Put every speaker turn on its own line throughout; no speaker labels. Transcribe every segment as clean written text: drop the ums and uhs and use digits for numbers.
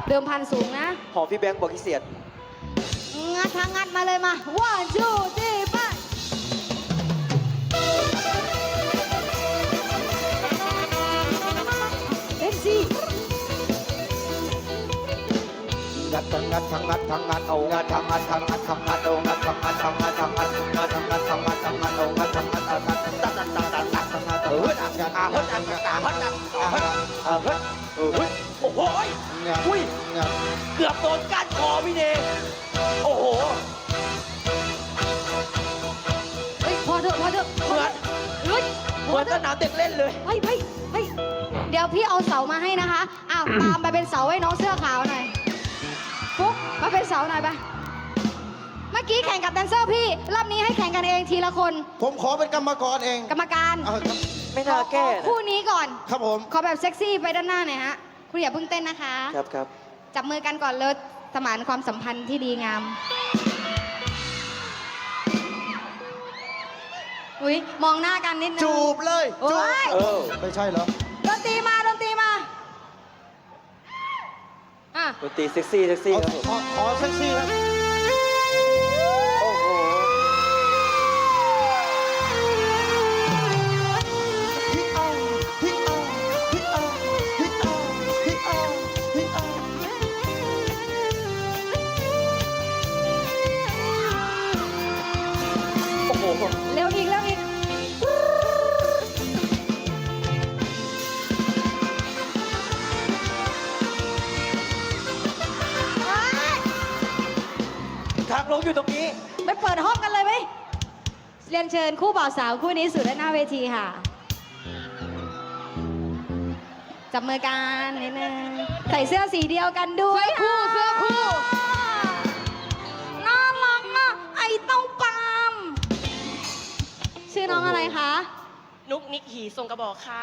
เดิมพันสูงนะ
หอมพี่แบงค์บอกพิเศษ
งัดทางงัดมาเลยมา one two three ไปเอ็มซี
งัดทั้งงัดทั้งงัดทั้งงัดเอางัดทั้งงัดทั้งงัดทั้งงัดเอางัดทั้งงัดทั้งงัดทั้งงัดงัดทั้งงัดทั้งงัดทั้งงัดเอางัดทั้งงัดทั้งงัดตัดตัดตัดตัดตัดตัดตัดเฮ้ยงัดงัดงัดงัดงัดงัดงัด
โอ้โหอุ้ยเกือบโดนก้านคอพี่เนโอ้โห
เฮ้ยพอเถอะพอเถอะ
เหมือน
เฮ้ย
เหมือนสนามเด็กเล่นเลย
เฮ้ยเฮ้ยเฮ้ยเดี๋ยวพี่เอาเสามาให้นะคะอ้าวตามไปเป็นเสาให้น้องเสื้อขาวหน่อยฟุ๊กมาเป็นเสาหน่อยไปเมื่อกี้แข่งกับแดนเซอร์พี่รอบนี้ให้แข่งกันเองทีละคน
ผมขอเป็นกรรมกรเอง
กรรมการ
ไม่น่าแก้
คู่นี้ก่อน
ครับผม
ขอแบบเซ็กซี่ไปด้านหน้าหน่อยฮะคุณอย่าเพิ่งเต้นนะคะ
ครับครับ
จับมือกันก่อนเลยสมานความสัมพันธ์ที่ดีงามอุ้ยมองหน้ากันนิดนึง
จูบเลย
โอ้ย
ไม่ใช่เหรอ
ดนตรีมาดนตรีมาอ่ะ
ดนตรีเซ็กซี่เซ็กซี่ครับผม
ขอเซ็กซี่ครับ
โอ้โห
ฮิเอาฮิเอาฮิเอาฮิเอาฮิเอาฮิเอา
โอ้โห
เร็วอีกเร็วอีกเฮ้ย
ทางลงอยู่ตรงนี้
ไปเปิดห้องกันเลยไหมเรียนเชิญคู่บ่าวสาวคู่นี้สู่ด้านหน้าเวทีค่ะ จับมือกันนิดนึงใส่เสื้อสีเดียวกันด้วยเสื้อคู่น่ารักอ่ะไอ้เต้าปามชื่อน้องอะไรคะ
นุกนิกหีทรงกระบอกค่ะ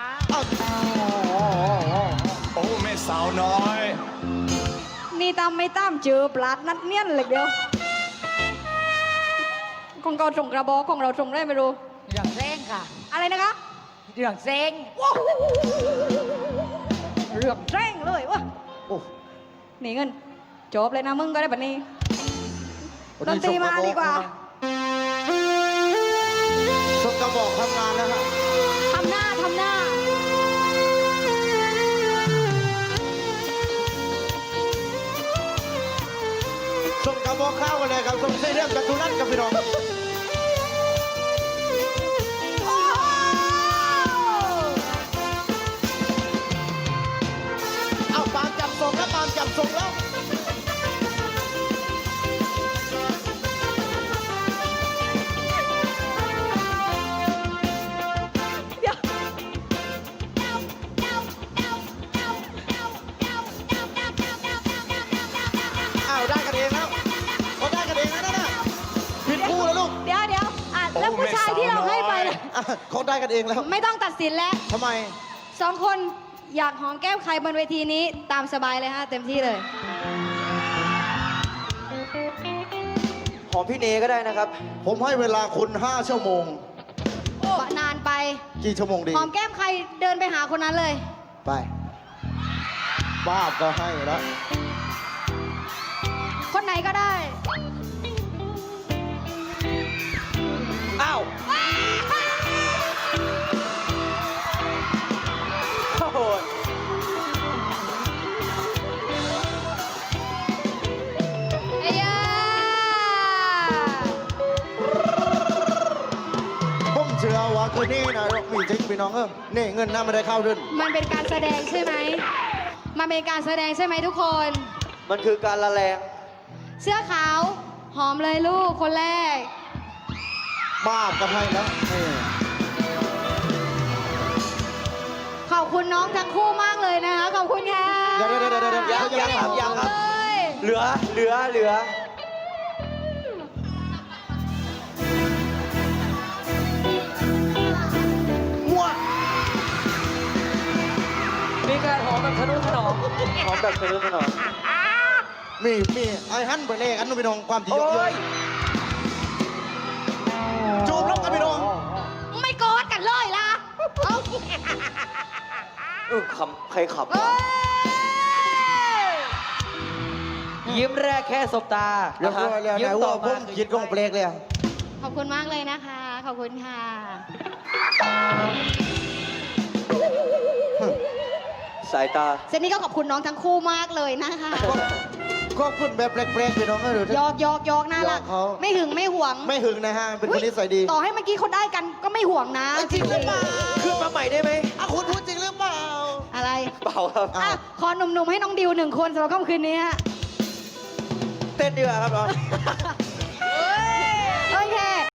โอ้แม่สาวน้อย
นี่ตามไม่ตามเจอปลาดนัดเนียนเลยเดียวของเราส่งกระบอกของเราส่งได้ไม่รู้
เรื่องเซ้งค่ะ
อะไรนะคะ
เรื่องเซ้ง
เรือกแรงเลยวะ
โอ้
หนีเงินจบเลยนะมึงก็ได้แบบนี้ดนตรีมาดีกว่า
ส่งกระบอกทำงานแล้วฮะ
ทำหน้าทำหน้า
ส่งกระบอกข้าวกันเลยครับส่งเสียเรื่องกับทุรันกับพี่น้อง
โอ้โห
เอาปามจับส่งแล้วปามจับส่งแล้ว
เดี๋ยว
อ้าวได้กันเองแล้วเขาได้กันเองแล้วนะผิดคู่แล้วลูก
เดี๋ยวอ่ะแล้ว
โอ้
ผู้ชายที่เราให้ไปล่ะ
อ่ะเขาได้กันเองแล้ว
ไม่ต้องตัดสินแล้ว
ทำไม
สองคนอยากหอมแก้มใครบนเวทีนี้ตามสบายเลยฮะเต็มที่เลย
หอมพี่เนก็ได้นะครับ
ผมให้เวลาคุณ5 ชั่วโมง
นานไป
กี่ชั่วโมงดี
หอมแก้มใครเดินไปหาคนนั้นเลย
ไปบ้าบก็ให้แล้ว
คนไหนก็ได้
อ้าวโอ้โห
เอ้ยา
ผมเชื่อว่าคืนนี้นะมีจริงพี่น้องนี่เงินน่าไม่ได้เข้าด้วย
มันเป็นการแสดงใช่ไหม มันเป็นการแสดงใช่ไหมทุกคน
มันคือการละแรง
เสื้อขาว หอมเลยลูกคนแรก
บ้าบก็ให้แล้วนี่
ขอบคุณน้องทั้งคู่มากเลยนะคะ ขอบคุณค่ะ
เดี๋ยว
ยังครับยังครับ
เลย
เหลือ
มั่ว
มีการหอมแบบทะนุถนอมหอมแบบทะนุถนอม
มีไอ้ฮั่นไปเลขอันนู้นพี่น้องความที่เย
โอ้
อะ
ย
ๆจูบแล้วกันพี่น้อง
ไม่กอดกันเลยล่ะเอา
ขำใครขับ
เอ้
วะ
ย
ยิ้มแรกแค่สบตา
เรียบร้อยแล้ว
ยิ้
นาย
ม
ว่า
ต่อ
ผม
มา
คิดกงเปลกเลย
ขอบคุณมากเลยนะคะ ขอบคุณค่ะ
สายตา
เซนนี่ก็ขอบคุณน้องทั้งคู่มากเลยนะคะ
ก็คุณแบบแปลกๆพี่น้องก็ดู
ยอกยอกยอกน่ารัก
ยอกเขา
ไม่หึงไม่หวง
ไม่หึงนะฮะ เป็นคนนิสัยดี
ต่อให้เมื่อกี้เขาได้กันก็ไม่ห่วงนะ
จริงหรือเปล่า
ขึ้นมาใหม่ได้ไหม
อ่ะคุณพูดจริงหรือเปล่า
อะไร
เปล่าครับ
อ่ะขอหนุ่มๆให้น้องดิว1 คนสำหรับค่ำคืนนี้ฮะ
เต้นดีกว่าครับน้อง